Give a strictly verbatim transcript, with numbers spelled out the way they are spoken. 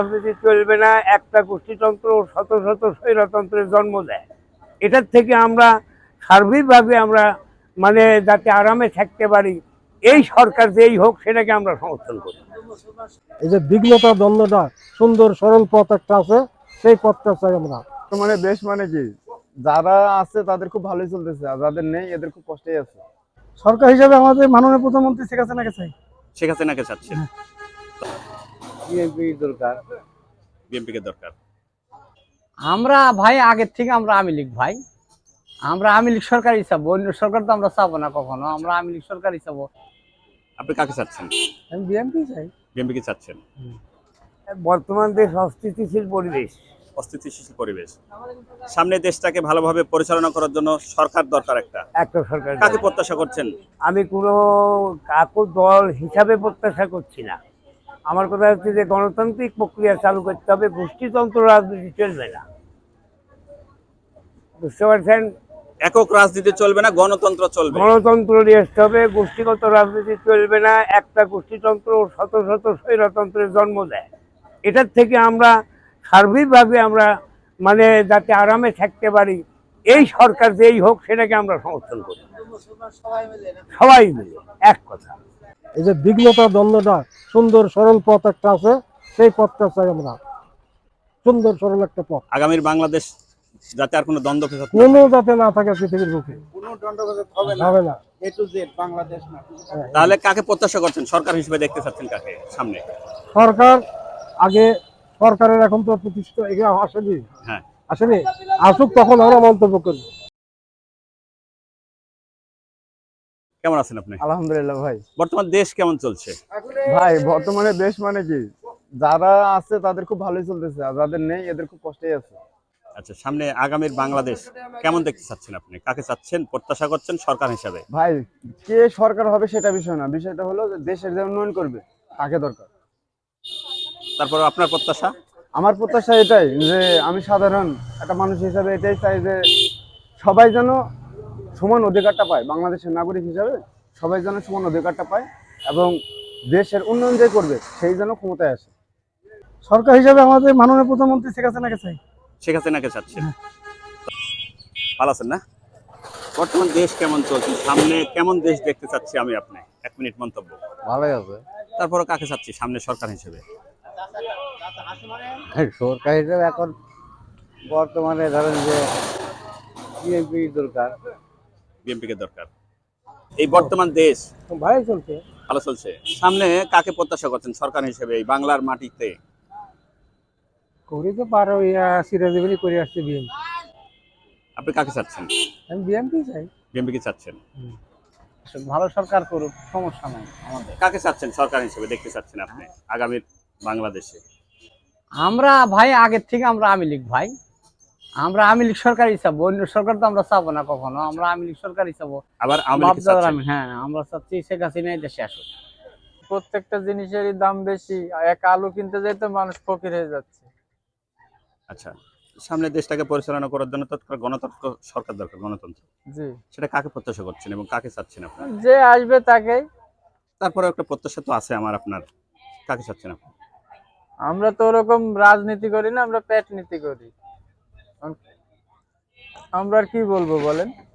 রাজনীতি চলবে না, একটা গোষ্ঠীতন্ত্র শত শত স্বৈরতন্ত্রের জন্ম দেয়। এটার থেকে আমরা সার্বিকভাবে আমরা মানে যাতে আরামে থাকতে পারি, এই সরকার যেই হোক সেটাকে আমরা সমর্থন করি। এই যে বিঘ্নতা দ্বন্দ্বটা সুন্দর সরল পথ একটা আছে, সেই পথটা চাই আমরা। মানে দেশ মানে কি, যারা আছে তাদের খুব ভালোই চলতেছে, আর যাদের নেই এদের খুব কষ্টেই আছে। সরকার হিসাবে আমাদের মাননীয় প্রধানমন্ত্রী শেখ হাসিনাকে চাই। শেখ হাসিনাকে চাচ্ছেন? বিএনপি দরকার। বিএনপি কে দরকার। আমরা ভাই আগের থেকে আমরা আওয়ামী লীগ ভাই, আমরা আওয়ামী লীগ সরকারই চাবো, অন্য সরকার তো আমরা চাবো না কখনো, আমরা আওয়ামী লীগ সরকারই চাবো। আপনি কাকে চাচ্ছেন? আমি বিএনপি চাই। বিএনপি কে চাচ্ছেন? বর্তমান দেশ অস্থিতিশীল পরিবেশ, অস্থিতিশীল পরিবেশ, সামনে দেশটাকে ভালোভাবে পরিচালনা করার জন্য সরকার দরকার একটা। একটা সরকার। কাকে প্রত্যাশা করছেন? আমি কোনো কাকু দল হিসাবে প্রত্যাশা করছি না। আমার কথা হচ্ছে যে গণতান্ত্রিক প্রক্রিয়া চালু করতে হবে, গোষ্ঠীতন্ত্র রাজনীতি চলবে না। বুঝতে পারছেন? একক রাজনীতি চলবে না, গণতন্ত্র চলবে। গণতন্ত্র নিয়ে আসতে হবে, গোষ্ঠীগত রাজনীতি চলবে না। একটা গোষ্ঠীতন্ত্র শত শত স্বৈরতন্ত্রের জন্ম দেয়। এটার থেকে আমরা সার্বিকভাবে আমরা মানে যাতে আরামে থাকতে পারি, এই সরকার যেই হোক সেটাকে আমরা সমর্থন করি, সবাই মিলে এক কথা। এই যে বিঘ্নতা দ্বন্দ্বটা সুন্দর সরল পথ একটা আছে, সেই পথটা চাই আমরা। সুন্দর সরল একটা পথ, আগামীর বাংলাদেশ যাতে আর কোনো দ্বন্দ্ব ফেসাদ না কোনো থাকে। যাতে না থাকে পৃথিবীর বুকে, কোনো দণ্ডগত হবে না, হবে না। এ টু জেড বাংলাদেশ না। তাহলে কাকে প্রত্যাশা করছেন? সরকার হিসেবে দেখতে চাচ্ছেন কাকে সামনে? সরকার আগে, সরকারের এখন তো প্রতিষ্ঠা এগুলো আসেনি, হ্যাঁ, আসেনি, আসুক তখন আমরা মন্তব্য করবো। কেমন আছেন আপনি? আলহামদুলিল্লাহ ভাই। বর্তমান দেশ কেমন চলছে? ভাই বর্তমানে দেশ মানে কি, যারা আছে তাদের খুব ভালোই চলতেছে, আর যাদের নেই এদের খুব কষ্টেই আছে। আচ্ছা, সামনে আগামীর বাংলাদেশ কেমন দেখতে চাচ্ছেন আপনি? কাকে চাচ্ছেন, প্রত্যাশা করছেন সরকার হিসাবে? ভাই কে সরকার হবে সেটা বিষয় না, বিষয়টা হলো যে দেশের যে উন্নয়ন করবে তাকে দরকার। তারপর আপনার প্রত্যাশা? আমার প্রত্যাশা এটাই যে আমি সাধারণ একটা মানুষ হিসাবে এটাই চাই যে সবাই যেন সমান অধিকারটা পায়, বাংলাদেশের নাগরিক হিসাবে সবাই যেন সমান অধিকারটা পায়, এবং দেশের উন্নয়ন যে করবে সেই যেন ক্ষমতায় আসে। সরকার হিসাবে আমাদের মাননীয় প্রধানমন্ত্রী শেখ হাসিনাকে চাই। শেখ হাসিনাকে চাচ্ছেন? ভালো আছেন না? বর্তমান দেশ কেমন চলছে, সামনে কেমন দেশ দেখতে চাচ্ছি আমি আপনি? এক মিনিট মন্তব্য। ভালোই আছে। তারপরে কাকে চাচ্ছি সামনে সরকার হিসেবে? সরকার হিসেবে এখন বর্তমানে ধরেন যে বিএনপি দরকার। বিএনপি কে দরকার। এই বর্তমান দেশ ভাই চলছে। ভালো চলছে, সামনে কাকে প্রত্যাশা করছেন সরকার হিসেবে এই বাংলার মাটিতে? করি তো পারো, ইয়া সিরাজীবনী করে আসছে বিএনপি। আপনি কাকে চাচ্ছেন? আমি বিএনপি চাই। বিএনপি কে চাচ্ছেন? ভালো সরকার করুক, সমস্যা নাই আমাদের। কাকে চাচ্ছেন সরকার হিসেবে দেখতে চাচ্ছেন আপনি আগামীর বাংলাদেশে? আমরা ভাই আগের থেকে আমরা আওয়ামী লীগ ভাই, আমরা আওয়ামী লীগ সরকারই চাবো, অন্য সরকার তো আমরা চাবো না কখনো, আমরা আওয়ামী লীগ সরকারই চাবো। আবার আওয়ামী লীগকে চাচ্ছেন? হ্যাঁ, আমরা চাচ্ছি শেখ হাসিনাই দেশে আসুক। প্রত্যেকটা জিনিসেরই দাম বেশি, এক আলু কিনতে যাইতে মানুষ ফকির হয়ে যাচ্ছে। আচ্ছা, সামনে দেশটাকে পরিচালনা করার জন্য তো একটা গণতন্ত্র সরকার দরকার, গণতন্ত্র। জি, সেটা কাকে প্রত্যাশা করছেন এবং কাকে চাচ্ছেন আপনি? যে আসবে তাকেই। তারপরে একটা প্রত্যাশা তো আছে আমার আপনার, কাকে চাচ্ছেন আপনি? আমরা তো ওরকম রাজনীতি করি না, আমরা পেট নীতি করি। আমরা আর কি বলবো বলেন।